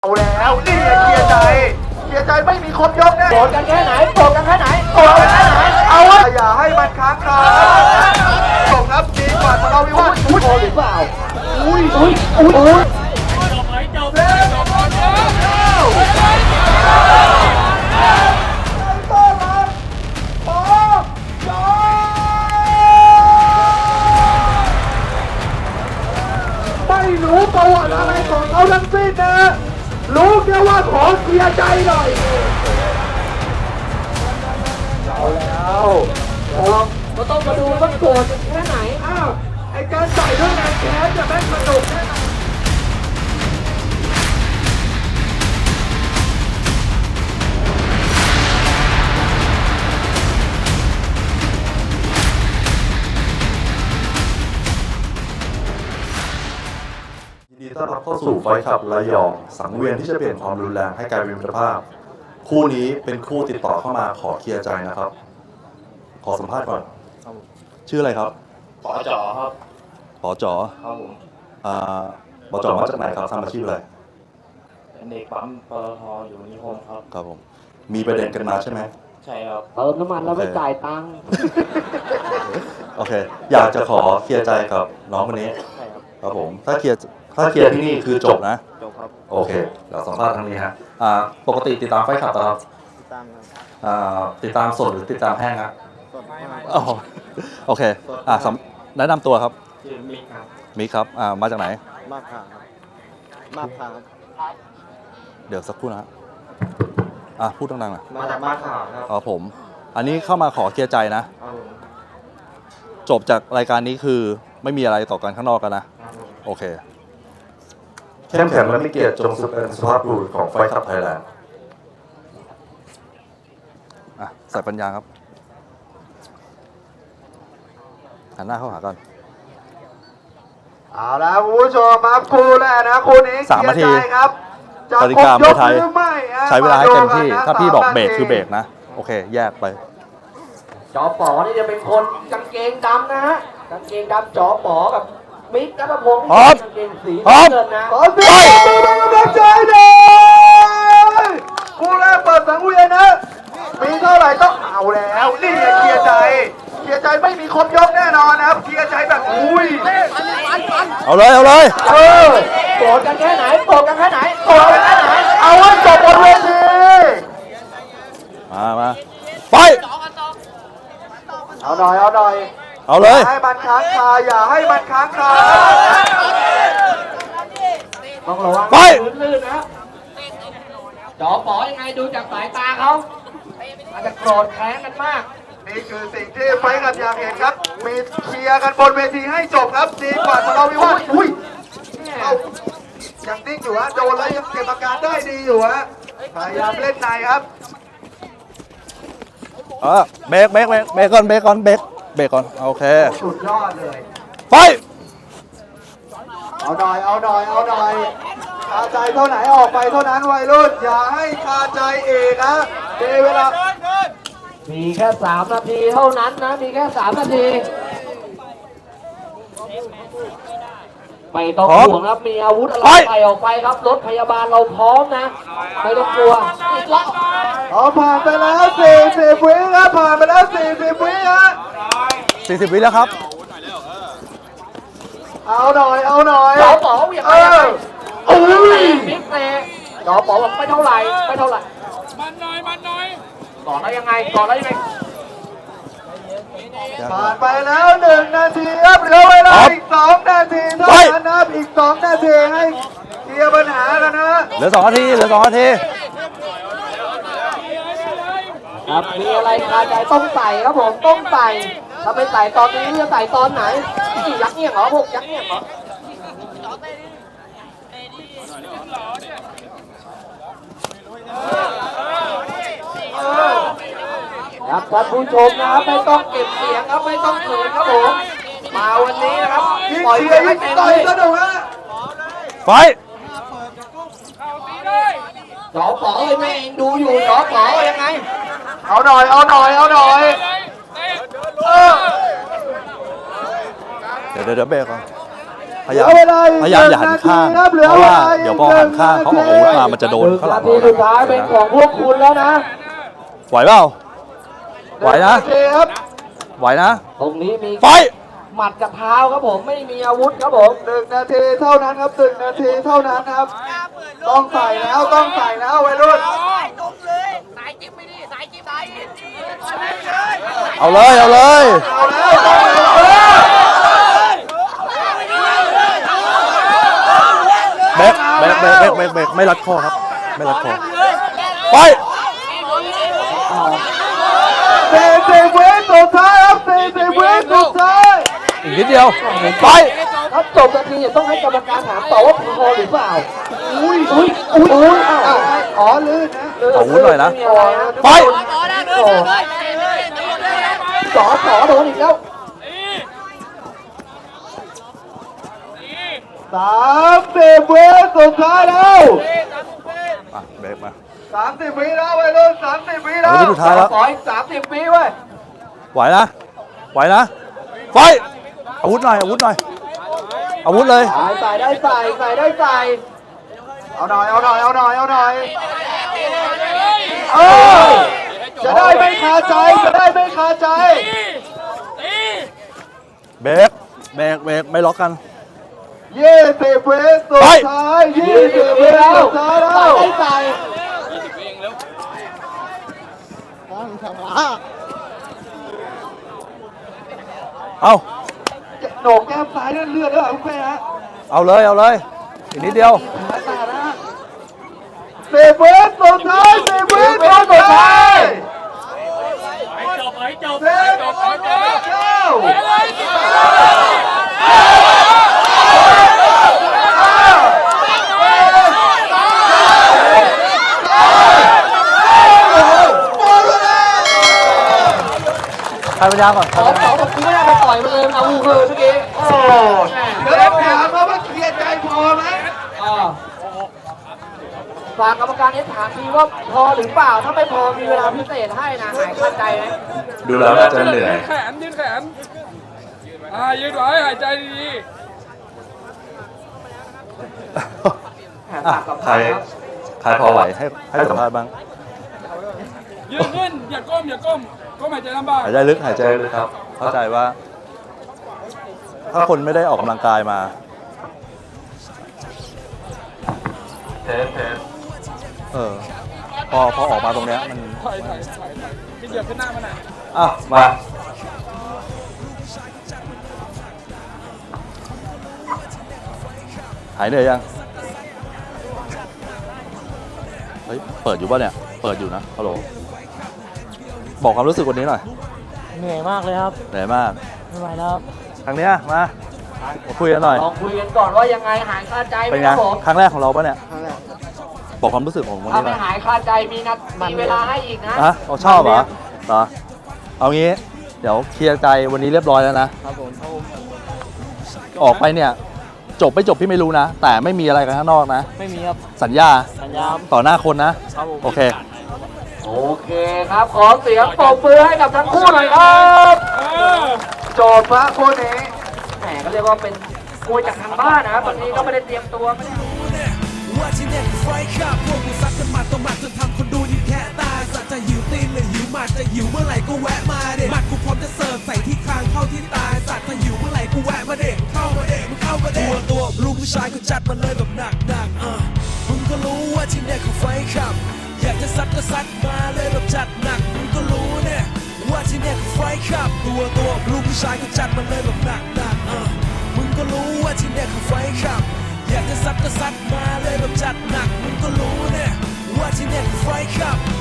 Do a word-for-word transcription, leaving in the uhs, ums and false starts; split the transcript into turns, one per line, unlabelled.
เอาแล้วนี่เคลียร์ใจเคลียร์ใจไม่มีคนยกแน่โกรธกันแค่ไหนโกรธกันแค่ไหนโกรธกันแค่ไหนเอาวะอย่าให้มันค้างคาจบครับดีกว่าทะเลาะวิวาทอุ้ยหรือเปล่าอุ้ยอุ้ยอุ้ยอุ้ยจบไหมจบแล้วจบแล้วต้อนรับปอจอไม่รู้ประวัติอะไรของเขาทั้งสิ้นนะรู้แค่ว่าขอเคลียร์ใจหน่อยเอาแล้วก็ต้องมาดูว่าโกรธแค่ไหนอ้าวไอ้การใส่ด้วยแรงแค้นจะแม่งสนุกแค่ไหน
ยินดีต้อนรับเข้าสู่ไฟท์คลับระยองสังเวียนที่จะเปลี่ยนความรุนแรงให้กลายเป็นมิตรภาพคู่นี้เป็นคู่ติดต่อเข้ามาขอเคลียร์ใจนะครับขอสัมภาษณ์ก่อนชื่ออะไรครับ
ปอจ๋อครับ
ปอจ๋อ
ครับผม
อ่าปอจ๋อมาจากไหนครับทำอาชีพอะไร
เป็นเด็กปั๊มปตทอยู่นิคมครับ
ครับผมมีประเด็นกันมาใช่ไหม
ใช่ครับ
เติมน้ำมันแล้วไม่จ่ายตังค์
โอเคอยากจะขอเคลียร์ใจกับน้องคนนี้
ใช่ครับ
ครับผมถ้าเคลียร์ถ้าเคลียร์ที่นี่คือจบนะ
จบครับ
โอเคเดี๋ยวสัมภาษณ์ทางนี้ฮะอ่าปกติติดตามไฟท์คลับครับ
ติดตามครับ
อ่าติดตามสดหรือติดตามแห้งครับ
สดไม่ไม่
อ๋อโอเคอ่าแนะนำตัวครับ
ชื่อมิกครับ
มิกครับอ่ามาจากไหน
มาบขาครับมาบขาครับ
เดี๋ยวสักครู่นะฮะอ่ะพูดดังๆหน่อย
มาจากมาบขาครับ
อ๋อผมอันนี้เข้ามาขอเคลียร์ใจนะจบจากรายการนี้คือไม่มีอะไรต่อกันข้างนอกกันนะโอเคเข้มแข็งและมีเกียรติจงเป็นสุภาพบุรุษของไฟท์คลับไทยแลนด์อ่ะใส่ปัญญาครับหันหน้าเข้าหากัน
เอาละคุณผู้ชมครับคู่แรกนะคู่นี้
สามนาที
ครับจะครบยกหรือไม่
ใช้เวลาให้เต็มที่ถ้าพี่บอกเบรกคือเบรกนะโอเคแยกไป
จอป๋อนี่จะเป็นคนกางเกงดำนะฮะกางเกงดำจอป๋อกับมิกนัทพงศ์
พร้อม
กางเกงสี
พร้อม
นะขอเสียงปรบมือกำลังใจหน่อยคู่แรกเปิดสังเวียนนะมีเท่าไหร่ต้องเอาแล้วนี่เคลียร์ใจเคลียร์ใจไม่มีคนยกแน่นอนนะครับเคลียร์ใจแบบอุ้ย
เอาเลยเอาเลย
เออโกรธกันแค่ไหนโกรธกันแค่ไหนโกรธกันแค่ไหนเอาไว้จบบนเวที
มามาไป
เอาหน่อยเอาหน่อย
เอาเลย
ให้มันค้างคาอย่าให้มันค้างคาต้องระวังลื่นๆนะจอป๋อยังไงดูจากสายตาเขาอาจจะโกรธแค้นกันมากนี่คือสิ่งที่ไฟท์กับอยากเห็นครับมีเคลียร์กันบนเวทีให้จบครับดีกว่าทะเลาะวิวาทอุ้ยยังนิ่งอยู่ฮะโดนแล้วยังเก็บอาการได้ดีอยู่ฮะพยายามเล่นในครับ
เออเบรกเบรกเบรกเบรกก่อนเบรกก่อนเบรกเบรกก่อนโอเค
สุดยอดเลย
ไป
เอาหน่อยเอาหน่อยเอาหน่อยคาใจเท่าไหนออกไปเท่านั้นวัยรุ่นอย่าให้คาใจเอกนะเวลามีแค่สามนาทีเท่านั้นนะมีแค่สามนาทีไม่ต้องห่วงครับมีอาวุธอะไรใส่ออกไปครับรถพยาบาลเราพร้อมนะไม่ต้องกลัวอีกแล้วเอาผ่านไปแล้วสี่สิบวิครับผ่านไปแล้วสี่สิบวิฮะ
สี่สิบวิแล้วครับ
เอาหน่อยเอาหน่อย
จอป๋ออย่างไร
โอ้ยมิกเซ่จอป๋อบอกไม่เท่าไหร่ไม่เท่าไหร่
มันหน่อยมันหน่อย
ก่อนแล้วยังไงก่อนแล้วยังไงผ่านไปแล้วหนึ่งนาทีครับเหลือเวลาอีกสองนาทีเท่านั้นนะอีกสองนาทีให้เคลียร์ปัญหากันนะ
เหลือสองนาทีเหลือสองนาที
ครับมีอะไรคาใจต้องใส่ครับผมต้องใส่ถ้าไม่ใส่ตอนนี้จะใส่ตอนไหนยักษ์เงี้ยเหรอพวกยักษ์เงี้ยเหรอครับท่านผู้ชมนะครับไม่ต้องเก็บเสียงครับไม่ต้องเขินครับผมมาวันนี้นะครับปล่อยเพลงให้เต็มที่สนุกฮะ
ไฟ
จอป๋อเลยแม่เองดูอยู่จอป๋อยังไงเอาหน่อยเอาหน่อยเอาหน่อย
เดี๋ยวเดี๋ยวเบรกก่อนพยายาม
เหลือเวลาอีก
พยายามอย่าหันข้าง
หนึ่งนาทีครับเหลือ
เพราะว่า
เวลาอีก
เดี๋ยวพอหันข้างเขาออกอาวุธมามันจะโดนข้างหลัง
นาทีสุดท้ายเป็นของพวกคุณแล้วนะ
ไหวเปล่าไหวนะ
โอเคครับ
ไหวนะ
ตรงนี้มี
ไฟ
หมัดกับเท้าครับผมไม่มีอาวุธครับผม
หนึ่งนาทีเท่านั้นครับหนึ่งนาทีเท่านั้นครับ ต้องใส่แล้วต้องใส่แล้ววัยรุ่น
ตรงเลยสายจิ๊บไม่ดีสายจิ๊บสายจิ๊บ
เอาเลยเอาเลย
เอาแล้วต้องเอาแล้ว
เบรกเบรกเบรกเบรกเบรกเบรกไม่รัดคอครับ ไม่รัดคอไป
สี่สิบวิสุดท้ายครับสี่สิบวิสุดท้าย
อีกนิดเดียวไป
ถ้าจบนาทีเนี่ยต้องให้กรรมการถามต่อว่าพอหรือเปล่าอุ้ยอุ้ยอุ้ยอุ้ยอ้าว
อ้าวให้อ๋อลื่นนะ
ขอวุ้นหน่อยนะ ไป
ต่อได้เลยเลยเลยเลย
สอสอโดนอีกแล้ว
สามสิบวิสุดท้ายแล้ว
อ่ะเบรกมา
สามสิบวิแล้ววัยรุ่นสามสิบวิแล้
เอา
ว
ไปสุดท้ายแล้ว
ขออีกสามสิบวิเว้ย
ไหวนะ ไหวนะ ไฟ อาวุธหน่อย อาวุธหน่อย อาวุธเลย
ใส่ใส่ได้ใส่ใส่ได้ใส่
เอาหน่อยเอาหน่อยเอาหน่อยเอาหน่อยเออจะได้ไม่คาใจจะได้ไม่คาใจ
เบรกเบรกเบรกไม่ล็อกกัน
ยี่สิบวิสุดท้ายยี่สิบวิสุดท้ายแล้ว
ได้ใส่
เอา
โหนกแก้มซ้ายนั่นเลือดด้วยเหรอคุณแม่ฮะ
เอาเลย เอาเลย อีกนิดเดียว
สิบวิสุดท้ายสิบวิสุดท้ายจบไปจบสิบจบเก้า
ใครปัญญาก่อน
ขอขอบอกคุณไม่ได้ไปต่อยมันเลยเอาวูเฮอร์เมื่อกี้
โอ้เดี๋ยวถามว่าว่าเคลียร์ใจพอไหม
อ่าฝากกรรมการเอสถามทีว่าพอหรือเปล่าถ้าไม่พอมีเวลาพิเศษให้นะหายคาใจไหม
ดูแล้วน่าจะเหนื่อย
แขนยืนแขน อ่ายืนไว้หายใจดี
อ่ะใคร ใครพอไหวให้ให้สัมภาษณ์บ้าง
ๆยืนขึ้นอย่าก้มอย่าก้มก้มหายใจลำบาก
หายใจลึก หายใจลึกครับ เข้าใจว่า ถ้าคนไม่ได้ออกกำลังกายมา
เทสเทส
เออ พอพอออกมาตรงเนี้ยมัน
ถอยถอยถอยที่เหยียบขึ้นหน้ามันอ่ะ
อ่ะ มา หายเหนื่อยยัง เฮ้ย เปิดอยู่ป่ะเนี่ย เปิดอยู่นะ ฮัลโหล บอกความรู้สึกวันนี้หน่อย
เหนื่อยมากเลยครับ
เหนื่อยมาก
ไม่ไหวแล้วครับ
ครั้งเนี้ยมามาคุยกันหน่อย
ลองคุยกันก่อนว่ายังไงหายคาใจไหม
เป็น
ค
ไง
รับผม
ครั้งแรกของเราปะเนี่ย บอกความรู้สึกของวัน
ถ้า
นี้ห
ไม่
น่อย
หายคาใจมีนัดมีเวลาให้อีกนะ
อ่ะเราชอบเหรอเหรอ เอางี้ เดี๋ยวเคลียร์ใจวันนี้เรียบร้อยแล้วนะ
ครับผม
ออกไปเนี่ย จบไม่จบพี่ไม่รู้นะ แต่ไม่มีอะไรกันข้างนอกนะ
ไม่มีครับ
สัญญา
สัญญา
ต่อหน้าคนนะ
ครับผม
โอเค
โอเคครับ ขอเสียงปรบมือให้กับทั้งคู่หน่อยครับ
โจทย์พระคู่นี้
แหมก็เรียกว่าเป็นมวยจากทางบ้านนะครับวันนี้ก็ไม่ได้เตรียมตัวไม่ได้
ว่าที่เนี่ยคือไฟขับพวกกูซัดกันหมัดต่อหมัดจนทำคนดูยิ้มแค่ตายสัตว์จะหิวตีนหรือหิวหมัดจะหิวเมื่อไหร่ก็แวะมาเด็หมัดกูพร้อมจะเสิร์ฟใส่ที่คางเข้าที่ตายสัตว์ถ้าหิวเมื่อไหร่กูแวะมาเด็เข้ามาเด็มึงเข้ามาเด็ตัวตัวลูกผู้ชายก็จัดมาเลยแบบหนักหนักๆอ่ะมึงก็รู้ว่าที่เนี่ยคือไฟขับอยากจะซัดก็ซัดมาเลยแบบจัดหนักมึงก็รู้เนี่ยว่าที่เนี่ยคือไฟขับตัวตัวลูกผู้ชายก็จัดมาเลยแบบหนักหนักๆอ่ะมึงก็รู้ว่าที่เนี่ยคือไฟขับอยากจะซัดก็ซัดมาเลยแบบจัดหนักมึงก็รู้เนี่ยว่าที่เนี่ยคือไฟขับ